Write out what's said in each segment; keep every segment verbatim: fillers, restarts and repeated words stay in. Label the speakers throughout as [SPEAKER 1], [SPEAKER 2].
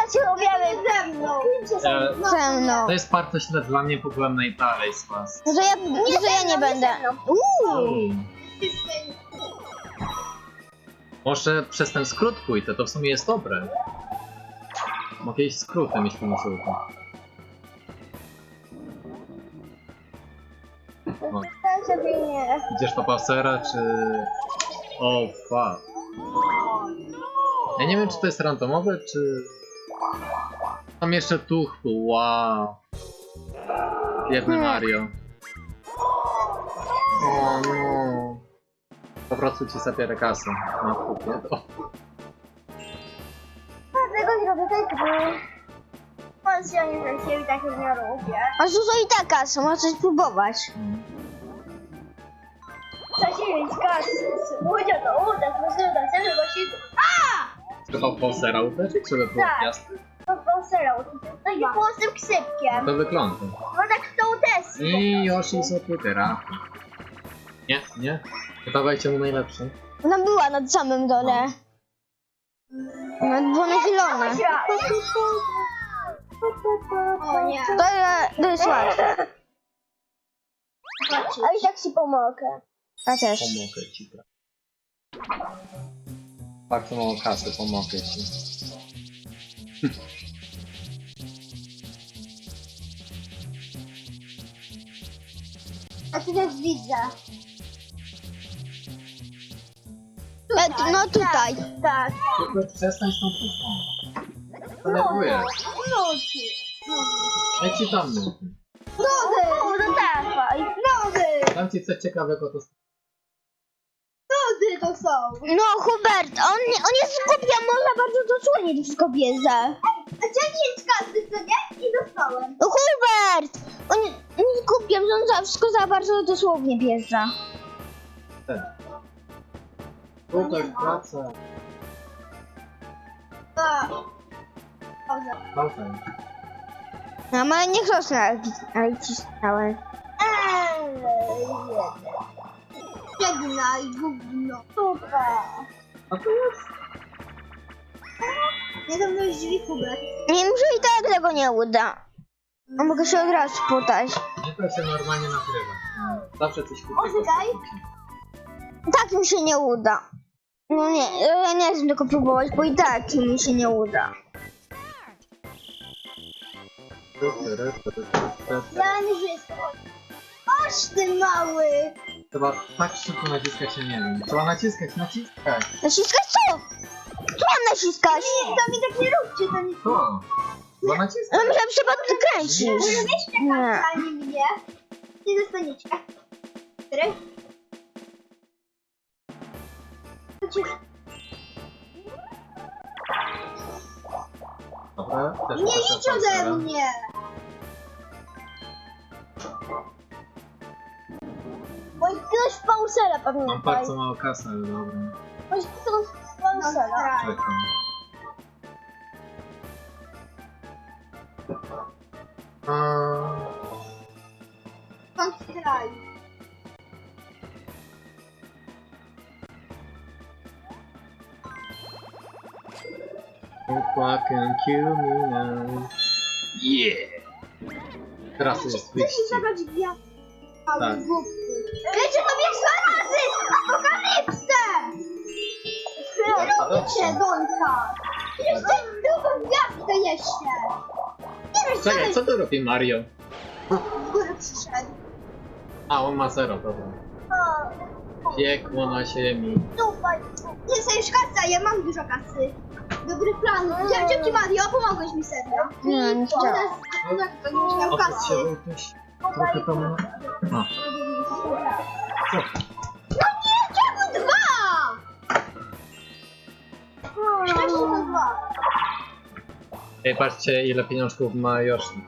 [SPEAKER 1] ja cię uwielbiam ze mną.
[SPEAKER 2] E,
[SPEAKER 1] Ze mną.
[SPEAKER 2] To jest bardzo źle dla mnie, bo byłem najdalej z was.
[SPEAKER 1] Że ja nie, że ja nie będę. Uuu.
[SPEAKER 2] Może przez ten skrót pójdę, to w sumie jest dobre. Mogę iść skrótem, jeśli mi się uda. No. Idziesz do Bowsera, czy... O, fuck. Ja nie wiem, czy to jest randomowe, czy... Tam jeszcze tuch był, wow. Biedny Mario. O no. Po prostu ci zabiorę kasę. No, kupię to.
[SPEAKER 1] Dlatego zrobię tak, bo... Patrz, ja nie wiem, się tak nie robię. A dużo i tak kasy, możesz spróbować.
[SPEAKER 2] Mm.
[SPEAKER 1] Zasięć kasy, ludzie to uda, możemy dać sobie właśnie...
[SPEAKER 2] Trzeba Bowsera uderzyć, żeby było
[SPEAKER 1] Tak.
[SPEAKER 2] jasne?
[SPEAKER 1] To Bowsera, taki głosem
[SPEAKER 2] No
[SPEAKER 1] krzypkiem.
[SPEAKER 2] to wygląda.
[SPEAKER 1] No tak w tą testy.
[SPEAKER 2] I Yoshi z Twittera. Nie, nie. Dawajcie mu najlepszy.
[SPEAKER 1] Ona była na samym dole. Ona była nachylona. O nie. To, je- to jest łatwe. A i tak ci pomogę. Ja też.
[SPEAKER 2] Pomogę ci, bra. Bardzo mało kasy, pomogę ci.
[SPEAKER 1] A ty też widzę. No tutaj. Tak.
[SPEAKER 2] Tylko przestań z tą puszką. Denerwuję.
[SPEAKER 1] Nuty.
[SPEAKER 2] Ja ci tam nuty.
[SPEAKER 1] Nuty. No dawaj. Nuty.
[SPEAKER 2] Dam ci coś ciekawego, to...
[SPEAKER 1] Nuty to są. No Hubert, on, nie- on jest głupia, można bardzo dosłownie to wszystko bierze. A ciągnięć kasy, co nie? I dostałem. No Hubert! On, on jest głupia, że on za wszystko za bardzo dosłownie bierze.
[SPEAKER 2] Tutaj praca. Pauza.
[SPEAKER 1] No ale niech rosnę, ale cisnąłem. Żegnaj, gówno. Super.
[SPEAKER 2] A to jest...
[SPEAKER 1] Nie zamknąłeś drzwi, Hubert. Nie, może i tak tego nie uda. A mogę się od razu sputać.
[SPEAKER 2] Nie, to się normalnie nagrywa. Zawsze coś kupię.
[SPEAKER 1] Poczekaj. Tak mi się nie uda. No nie, ja nie chcę tego próbować, bo i tak mi się nie uda. Ja nie żyję. Oż ty mały!
[SPEAKER 2] Trzeba tak szybko naciskać, się nie wiem. Trzeba naciskać, naciskać.
[SPEAKER 1] Naciskać co? Co mam naciskać? Nie, to mi tak nie róbcie, to nie...
[SPEAKER 2] To. Trzeba naciskać.
[SPEAKER 1] No myślałem, że trzeba tu kręcić.
[SPEAKER 2] Nie.
[SPEAKER 1] Nie. A nie mnie. Nie dostaniecie. Który?
[SPEAKER 2] Dobra, też
[SPEAKER 1] Nie
[SPEAKER 2] proszę
[SPEAKER 1] idź ode
[SPEAKER 2] Bowsera.
[SPEAKER 1] mnie! Bo ktoś Bowsera
[SPEAKER 2] Mam
[SPEAKER 1] pamiętaj.
[SPEAKER 2] bardzo mało kasy, ale dobra.
[SPEAKER 1] Bo ktoś Bowsera.
[SPEAKER 2] Czekam. A...
[SPEAKER 1] Pan straj.
[SPEAKER 2] Don't fucking kill me now. Yeah! Teraz jest wyścig.
[SPEAKER 1] zabrać gwiazdę.
[SPEAKER 2] Tak.
[SPEAKER 1] Wiecie, to mnie dwa razy! Apokalipsę!
[SPEAKER 2] A dobrze.
[SPEAKER 1] Robicie, Donka! Jeszcze drugą gwiazdę jeszcze! Nie wiesz,
[SPEAKER 2] Czekaj, co tu robi Mario?
[SPEAKER 1] z góry przyszedł.
[SPEAKER 2] A, on ma zero, dobra.
[SPEAKER 1] O,
[SPEAKER 2] Piekło na ziemi.
[SPEAKER 1] Dupaj. Nie chcę już kasy, ja mam dużo kasy. Dobry plan. Dzięki Mario, pomogłeś mi serio. Nie, nie chciałam. U nas to nie miał
[SPEAKER 2] Oprócz
[SPEAKER 1] kasy.
[SPEAKER 2] się Wojtuś. Trochę to ma... A, co?
[SPEAKER 1] No nie, czemu dwa? Wcześniej to dwa.
[SPEAKER 2] Ej, patrzcie ile pieniążków ma Yoshi.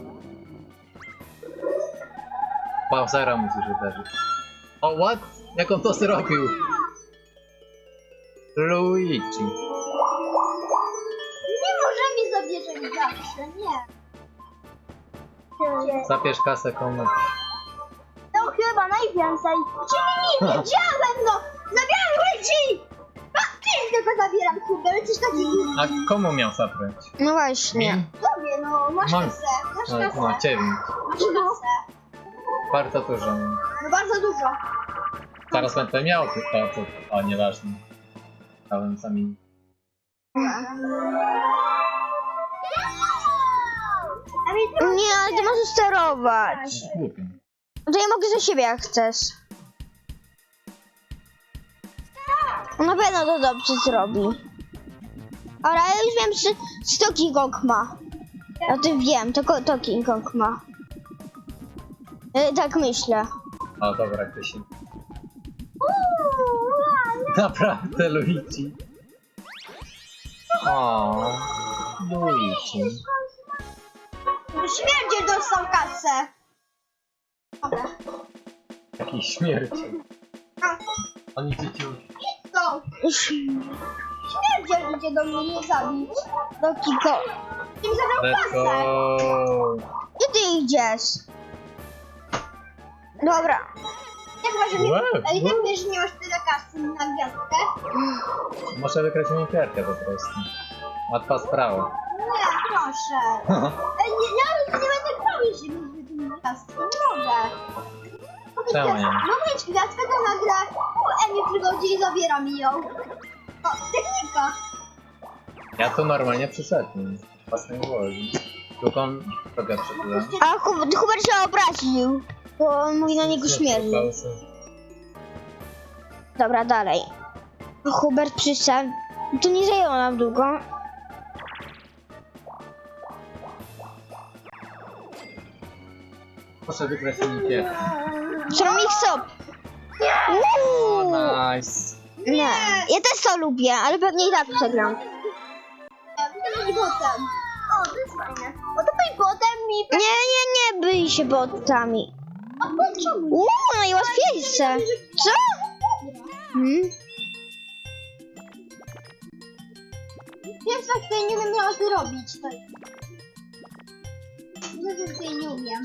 [SPEAKER 2] Bowsera musisz uderzyć. O, what? Jak on to zrobił? Luigi.
[SPEAKER 1] Nie możemy zabierać zawsze, nie.
[SPEAKER 2] Zabierz kasę komu.
[SPEAKER 1] To chyba najwięcej. Czyli nie wiedziałem, no! Zabieram Luigi! A ty tylko zabieram Hubert, coś takiego.
[SPEAKER 2] A komu miał zabrać?
[SPEAKER 1] No właśnie.
[SPEAKER 2] Mi?
[SPEAKER 1] Tobie, no, masz
[SPEAKER 2] Mam.
[SPEAKER 1] kasę, masz
[SPEAKER 2] No,
[SPEAKER 1] kasę.
[SPEAKER 2] no ciebie.
[SPEAKER 1] Masz kasę.
[SPEAKER 2] Bardzo dużo.
[SPEAKER 1] No bardzo dużo.
[SPEAKER 2] Zaraz będę miał to, to, to o, nieważne. Dałem sami.
[SPEAKER 1] Nie, ale ty możesz sterować.
[SPEAKER 2] Głupio.
[SPEAKER 1] To ja mogę za siebie jak chcesz. Na pewno to dobrze zrobi. Ale ja już wiem, czy, czy to King Kong ma. Ja o tym wiem, to, ko- to King Kong ma. E, tak myślę.
[SPEAKER 2] O, dobra, ty się. Naprawdę, Luigi. O, Luigi.
[SPEAKER 1] Śmierdziel dostał kasę. Dobra.
[SPEAKER 2] Jaki śmierci. On idzie cię.
[SPEAKER 1] To. Śmierdziel idzie do mnie nie zabić. Do Kiko. Ty mi zabrał
[SPEAKER 2] Let's
[SPEAKER 1] kasę.
[SPEAKER 2] go.
[SPEAKER 1] Gdzie ty idziesz? Dobra. Jak masz mi...
[SPEAKER 2] Wow,
[SPEAKER 1] Ale tak
[SPEAKER 2] wow.
[SPEAKER 1] wiesz, że nie masz tyle kasy na gwiazdkę?
[SPEAKER 2] Może wygrać minifierkę po prostu. Łatwa sprawa.
[SPEAKER 1] Nie, proszę. Ej, nie, ja nie będę grał, jeśli będzie tym gwiazdkę. Nie mogę. Mogę
[SPEAKER 2] Czemu
[SPEAKER 1] gwiazd-
[SPEAKER 2] nie?
[SPEAKER 1] Mogę mieć gwiazdkę, to nagle u Emi przychodzi i zabiera mi ją. O, technika.
[SPEAKER 2] Ja tu normalnie przyszedłem. Własnej woli. Tylko on drogę przebyłem.
[SPEAKER 1] A Hubert się obraził. Bo on mówi na niego śmierdził. Dobra, dalej. Hubert przyszedł. To nie zajęło nam długo.
[SPEAKER 2] Proszę wygrać minifierkę.
[SPEAKER 1] Ceramic Stop. Uuu.
[SPEAKER 2] Nice.
[SPEAKER 1] Nie. Ja też to lubię, ale pewnie i tak przegram. To być botem. O, to jest fajne. Bo to być botem mi... Nie, nie, nie byj się botami. A po czemu? Uuu, najłatwiejsze. Co? Hmm? Wiem, co tutaj nie wiem, jak to robić. To... Ja też tutaj nie umiem.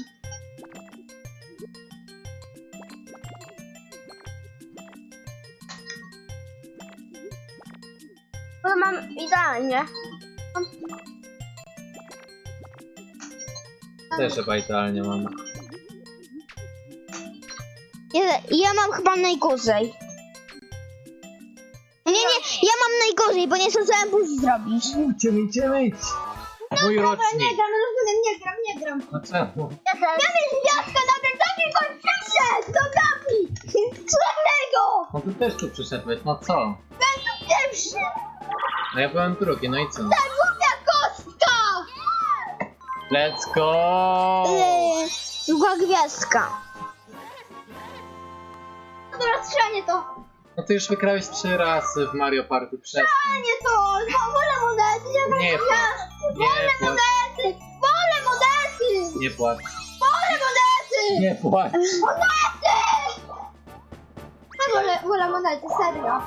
[SPEAKER 1] Bo mam idealnie.
[SPEAKER 2] Też chyba idealnie mam.
[SPEAKER 1] Ja, ja mam chyba najgorzej. Nie, nie, ja mam najgorzej, bo nie zdążyłem później zrobić.
[SPEAKER 2] Idziemy, idziemy. Mój rocznik.
[SPEAKER 1] gram, rozumiem, nie gram, nie gram.
[SPEAKER 2] No czemu?
[SPEAKER 1] Ja miałem gwiazdkę na ten taki koń przyszedł do Gabi! Czarnego!
[SPEAKER 2] No ty też tu przyszedłeś, no co?
[SPEAKER 1] Ten tu pierwszy!
[SPEAKER 2] No ja byłem drugi, no i co?
[SPEAKER 1] Ta głupia kostka!
[SPEAKER 2] Let's go!
[SPEAKER 1] Yy, druga gwiazdka. No dobra, strzelanie to.
[SPEAKER 2] No ty już wygrałeś trzy razy w Mario Party przez.
[SPEAKER 1] Strzelanie to! No, wolę monety, ja
[SPEAKER 2] Nie płacz, nie płacz,
[SPEAKER 1] monety! Wolę monety!
[SPEAKER 2] nie płacz,
[SPEAKER 1] Wolę monety!
[SPEAKER 2] nie płacz.
[SPEAKER 1] Monety! Ja wolę, wolę monety, serio.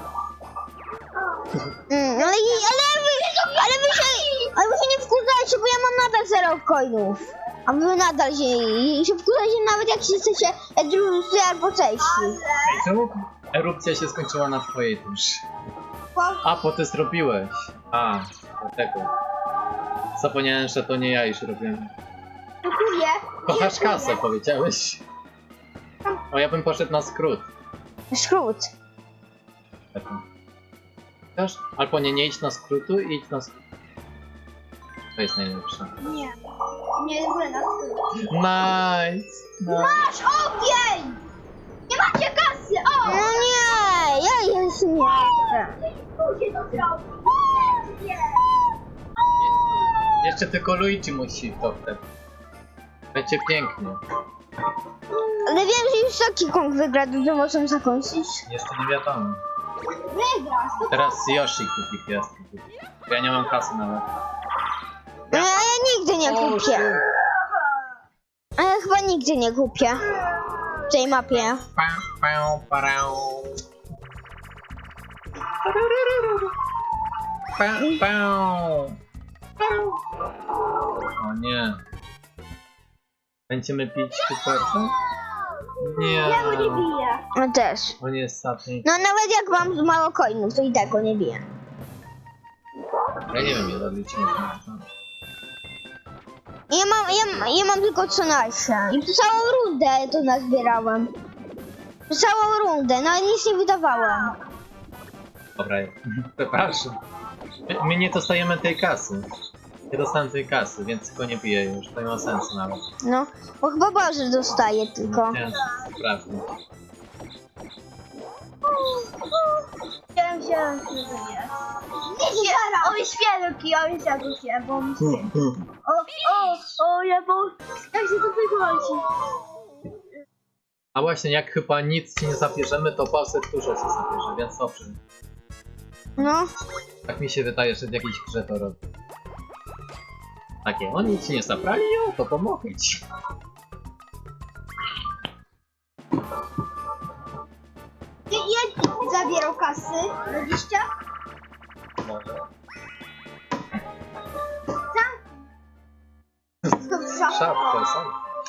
[SPEAKER 1] Mm, ale, ale, wy, ale wy się, ale wy się nie wkurzajcie, bo ja mam nadal zero coinów. A wy nadal się, i się wkurzajcie nawet jak się jesteście drudzy albo trzeci.
[SPEAKER 2] Ej, czemu erupcja się skończyła na twojej duszy? A, bo ty zrobiłeś. A, dlatego. Zapomniałem, że to nie ja już robiłem.
[SPEAKER 1] Dziękuję.
[SPEAKER 2] Kochasz kasę, powiedziałeś. O, ja bym poszedł na skrót.
[SPEAKER 1] Skrót.
[SPEAKER 2] Taki. Też? Albo nie, nie idź na skrótu, idź na skrót. To jest najlepsze.
[SPEAKER 1] Nie. Nie, w ogóle na skrót.
[SPEAKER 2] Nice! nice.
[SPEAKER 1] Masz ogień! Nie macie kasy, o! No nie, ja już nie chcę. Ludzie to zrobią.
[SPEAKER 2] Jeszcze tylko Luigi musi w to wtedy. Będzie pięknie.
[SPEAKER 1] Ale wiem, że już taki Kong wygra, to możemy zakończyć.
[SPEAKER 2] Jeszcze nie wiadomo.
[SPEAKER 1] Wygrasz.
[SPEAKER 2] Teraz Yoshi kupi gwiazdkę. Ja nie mam kasy nawet.
[SPEAKER 1] No, a ja nigdy nie kupię. A ja chyba nigdy nie kupię. W tej mapie.
[SPEAKER 2] Pa, pa, parau. Pa, pa. O nie. Będziemy pić kuperkę? Nie.
[SPEAKER 1] biję. No też.
[SPEAKER 2] On jest ostatni.
[SPEAKER 1] No nawet jak mam mało coinów, to i tak go nie biję.
[SPEAKER 2] Ja nie wiem, ile odliczymy.
[SPEAKER 1] Ja mam, ja, ja mam tylko trzynaście. I przez całą rundę to nazbierałem. Przez całą rundę, no ale nic nie wydawałem.
[SPEAKER 2] Dobra, przepraszam. My, my nie dostajemy tej kasy. Nie dostałem tej kasy, więc tylko nie piję już. To nie ma sensu nawet.
[SPEAKER 1] No, bo chyba Boże dostaje tylko.
[SPEAKER 2] Nie, prawda.
[SPEAKER 3] Chciałem się zrozumieć. Oj, świerki, oj, zagubię, bo mi się... O, o, o, ja bo... Jak się to wychodzi?
[SPEAKER 2] A właśnie, jak chyba nic ci nie zabierzemy, to Bowser dużo ci zabierze, więc dobrze.
[SPEAKER 1] No,
[SPEAKER 2] Tak mi się wydaje, że w jakiejś grze to robi. Takie, oni ci nie zabrali, o, to pomogę ci.
[SPEAKER 3] Jedź zabierał kasy, dwadzieścia?
[SPEAKER 2] Może.
[SPEAKER 3] Skąd
[SPEAKER 2] Szapkę, są.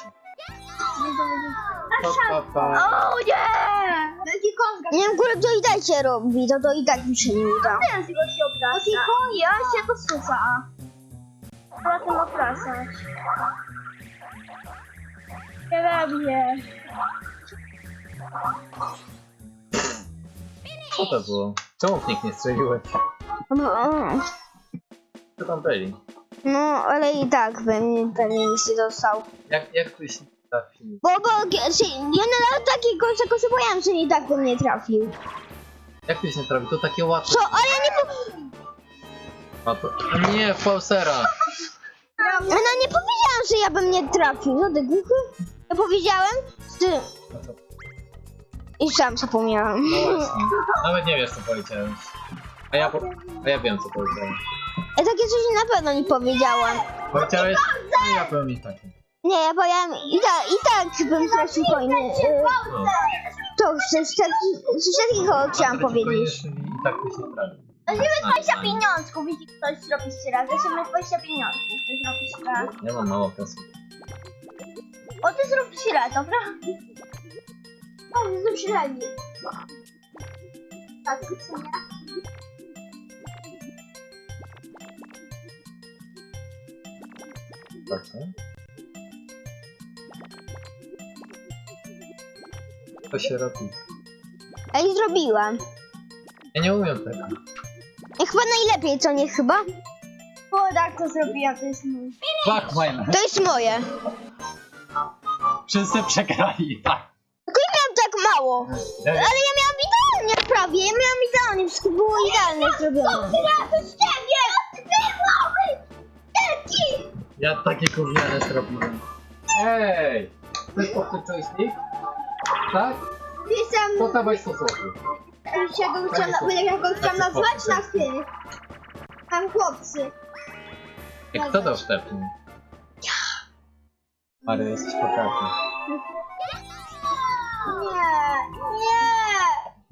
[SPEAKER 2] Pa, pa, pa.
[SPEAKER 3] O nie! Wielki konga.
[SPEAKER 1] nie wiem, kurde, to i tak się robi, to to i tak mi się nie uda.
[SPEAKER 3] Teraz go się obraca. Wielki konga, ja się to suwa. Potem oprasać. Nie robię.
[SPEAKER 2] Co to było? Czemu w nich nie strzeliłeś?
[SPEAKER 1] No,
[SPEAKER 2] Co tam byli?
[SPEAKER 1] no, ale i tak bym pewnie nic nie dostał.
[SPEAKER 2] Jak, jak byś nie trafił?
[SPEAKER 1] Bo, bo, się, ja na takiego czegoś się boję, że nie tak bym nie trafił.
[SPEAKER 2] Jak byś nie trafił? To takie łatwe.
[SPEAKER 1] Co, ale ja nie, po,
[SPEAKER 2] A to... A nie, Bowsera!
[SPEAKER 1] ja no nie powiedziałam, że ja bym nie trafił. Co ty głuchy? Ja powiedziałem, że...
[SPEAKER 2] No to-
[SPEAKER 1] I sam zapomniałam.
[SPEAKER 2] No właśnie. Nawet nie wiesz, co powiedziałeś. A ja, po... A ja wiem, co powiedziałem.
[SPEAKER 1] Ja takie coś na pewno nie powiedziałam.
[SPEAKER 2] Powiedziałeś? No ja powiem i tak.
[SPEAKER 1] Nie, ja powiedziałam i tak, i tak bym stracił coiny. y,
[SPEAKER 2] No.
[SPEAKER 1] To coś, taki- coś takiego chciałam
[SPEAKER 2] Stracił
[SPEAKER 1] powiedzieć.
[SPEAKER 2] coiny, I tak byś nie trafił.
[SPEAKER 3] dwadzieścia pieniążków, jeśli ktoś zrobi jeszcze raz. Weźmy dwadzieścia pieniążków, ty zrobisz raz.
[SPEAKER 2] Ja mam mało kasy.
[SPEAKER 3] O, ty zrób trzy raz, dobra? O, ty zrób trzy razy. Tak, co nie?
[SPEAKER 2] Tak, co? To się robi.
[SPEAKER 1] Ja i zrobiłam.
[SPEAKER 2] Ja nie umiem tego.
[SPEAKER 1] I chyba najlepiej, co nie chyba?
[SPEAKER 3] O, tak to zrobiłam, to jest mój.
[SPEAKER 2] Fuck mine.
[SPEAKER 1] To jest moje.
[SPEAKER 2] Wszyscy przegrali, tak.
[SPEAKER 1] Tylko ja miałam tak mało. Ale ja miałam idealnie prawie. Ja miałam idealnie. Wszystko było idealnie zrobione.
[SPEAKER 3] Ja z ciebie! Ty mały! Wielki!
[SPEAKER 2] Ja takie gówniane zrobiłem. Ej! Chcesz popsuć joystick? Tak?
[SPEAKER 3] Pisam,
[SPEAKER 2] To dawaj stosunku.
[SPEAKER 3] ja go chciałam, ja go chciałam nazwać na ty. Tam chłopcy.
[SPEAKER 2] Jak kto dał Stefan? Ale jesteś pokaźny.
[SPEAKER 3] Nie, nie!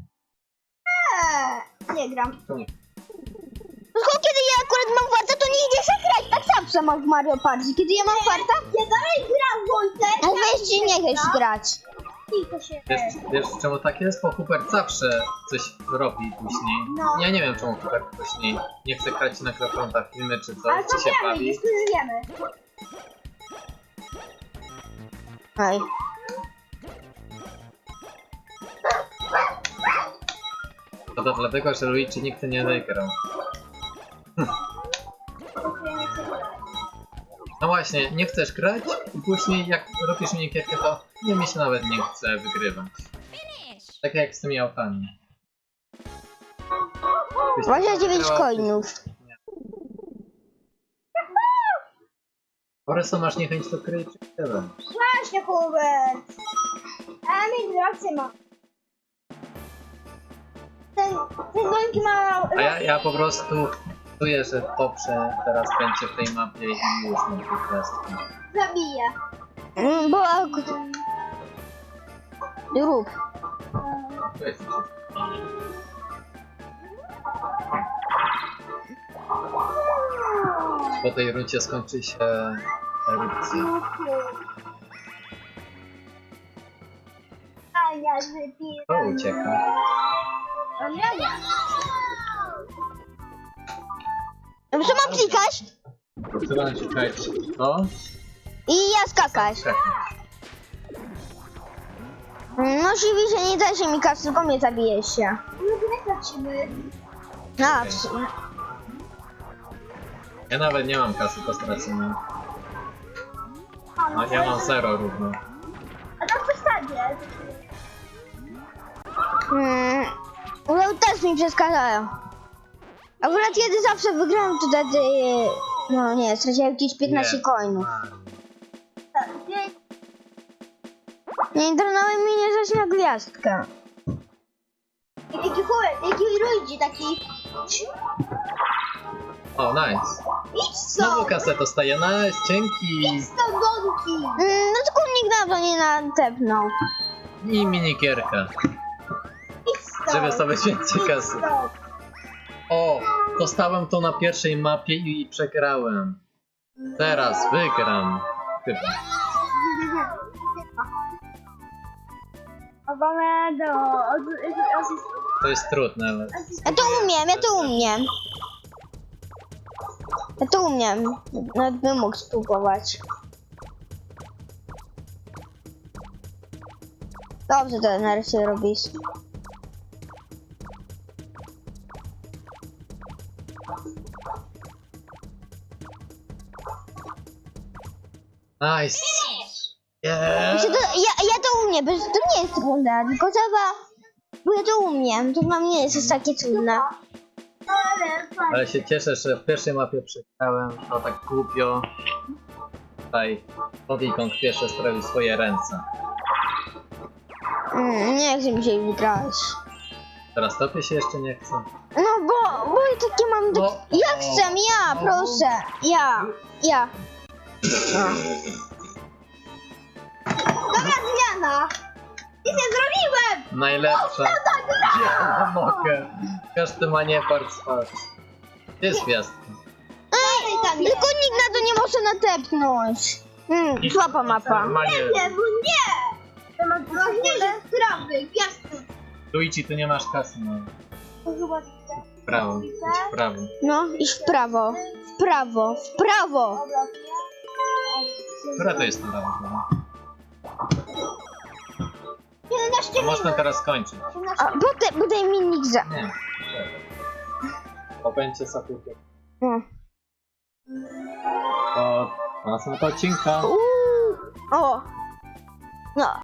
[SPEAKER 3] Nie, nie gram.
[SPEAKER 2] Czemu?
[SPEAKER 1] Tylko kiedy ja akurat mam farta, to nie idzie się grać. Tak zawsze mam w Mario Party. Kiedy ja mam farta,
[SPEAKER 3] Ja dalej gram, Wojtek!
[SPEAKER 1] to weź ci nie chcesz grać.
[SPEAKER 3] Tylko się...
[SPEAKER 2] Wiesz, wiesz czemu tak jest? Bo Hubert zawsze coś robi później.
[SPEAKER 3] No.
[SPEAKER 2] Ja nie wiem czemu Hubert później nie chce grać na krafronta filmy czy
[SPEAKER 3] Ale
[SPEAKER 2] coś,
[SPEAKER 3] to
[SPEAKER 2] czy się
[SPEAKER 3] wiemy,
[SPEAKER 2] bawi.
[SPEAKER 3] już to już wiemy.
[SPEAKER 1] Ej.
[SPEAKER 2] To, to dlatego, że Luigi nigdy nie wygrał. No właśnie, nie chcesz grać i później jak robisz minikierkę, to nie mi się nawet nie chce wygrywać. Tak jak z tymi autami. Byś
[SPEAKER 1] dwadzieścia dziewięć
[SPEAKER 2] wygrała,
[SPEAKER 1] coinów.
[SPEAKER 2] Po prostu masz niechęć do gry i tyle.
[SPEAKER 3] Właśnie, Hubert! A mi rację ma. Ten, ten gońki ma...
[SPEAKER 2] A ja, ja po prostu czuję, że dobrze teraz będzie w tej mapie i już mam po prostu.
[SPEAKER 3] Zabija.
[SPEAKER 1] Mm, Bo... ak- Rób.
[SPEAKER 2] Po tej rundzie skończy się erupcja.
[SPEAKER 3] A ja wypiję.
[SPEAKER 2] To ucieka.
[SPEAKER 3] A ja nie.
[SPEAKER 1] No co mam klikać?
[SPEAKER 2] Trzeba naciskać to.
[SPEAKER 1] I ja skakać.
[SPEAKER 2] Tak.
[SPEAKER 1] No oczywiście nie da się mi kasy, tylko mnie zabije się.
[SPEAKER 3] No to jak lecimy?
[SPEAKER 1] A, w sumie.
[SPEAKER 2] Ja nawet nie mam kasy, to stracimy. No, ja mam zero równo.
[SPEAKER 3] A tam postawię.
[SPEAKER 1] Hmm. No też mi przeszkadzają. Akurat kiedy zawsze wygrałem, to wtedy... No nie, straciłem jakieś piętnaście
[SPEAKER 2] Nie.
[SPEAKER 1] coinów.
[SPEAKER 3] Tak, gdzie-
[SPEAKER 1] Nie internałem mi nie zaś na gwiazdkę.
[SPEAKER 3] I taki chłopek, taki ludzi, taki...
[SPEAKER 2] O, nice.
[SPEAKER 3] Idź
[SPEAKER 2] Znowu
[SPEAKER 3] stąd!
[SPEAKER 2] kasę dostaję, nice, dzięki.
[SPEAKER 3] Idź stąd, Donki!
[SPEAKER 1] Mm, no tylko nikt na to nie natepnął.
[SPEAKER 2] I minikierka,
[SPEAKER 3] Idź stąd!
[SPEAKER 2] żeby sobie więcej kasy.
[SPEAKER 3] Stąd.
[SPEAKER 2] O, dostałem to na pierwszej mapie i przegrałem. Teraz wygram. Chyba.
[SPEAKER 3] Obamę do...
[SPEAKER 2] To jest trudne, ale...
[SPEAKER 1] Ja to umiem, ja to umiem. Ja to umiem. Nawet bym mógł spróbować. Dobrze to nareszcie robisz.
[SPEAKER 2] Nice. Yeah.
[SPEAKER 1] Znaczy to, ja, ja to umiem, bo to nie jest trudne, tylko trzeba... Bo ja to umiem, to dla mnie nie jest aż takie trudne.
[SPEAKER 2] Ale się cieszę, że w pierwszej mapie przegrałem, to tak głupio. Tutaj Donkey pierwsze sprawił swoje ręce.
[SPEAKER 1] Mm, nie chcę mi się wygrać.
[SPEAKER 2] Teraz tobie się jeszcze nie chce.
[SPEAKER 1] No bo, bo ja takie mam...
[SPEAKER 2] No.
[SPEAKER 1] Tak... Ja chcę, ja,
[SPEAKER 2] No.
[SPEAKER 1] proszę. Ja, ja.
[SPEAKER 3] Dobra zmiana! Nic nie zrobiłem!
[SPEAKER 2] Najlepsza. Ja nie mogę. Każdy ma niepart spać. Gdzie jest gwiazdka?
[SPEAKER 1] Ej,
[SPEAKER 3] tam jest.
[SPEAKER 1] tylko nikt na to nie może natepnąć. Hmm, słaba mapa.
[SPEAKER 2] Normalnie.
[SPEAKER 3] Nie, bo nie! To mam ważniejsze sprawy, gwiazdki.
[SPEAKER 2] Luigi, tu nie masz kasy, no.
[SPEAKER 3] To chyba...
[SPEAKER 2] W prawo, idź w prawo.
[SPEAKER 1] No, iść w prawo, w prawo, w prawo.
[SPEAKER 2] Która to jest ta prawo?
[SPEAKER 3] jedenaście
[SPEAKER 2] To można teraz skończyć.
[SPEAKER 1] A potem, potem mi nikt za...
[SPEAKER 2] Nie. To będzie sobie
[SPEAKER 1] No.
[SPEAKER 2] to następnego odcinka.
[SPEAKER 1] Uuu, o. No.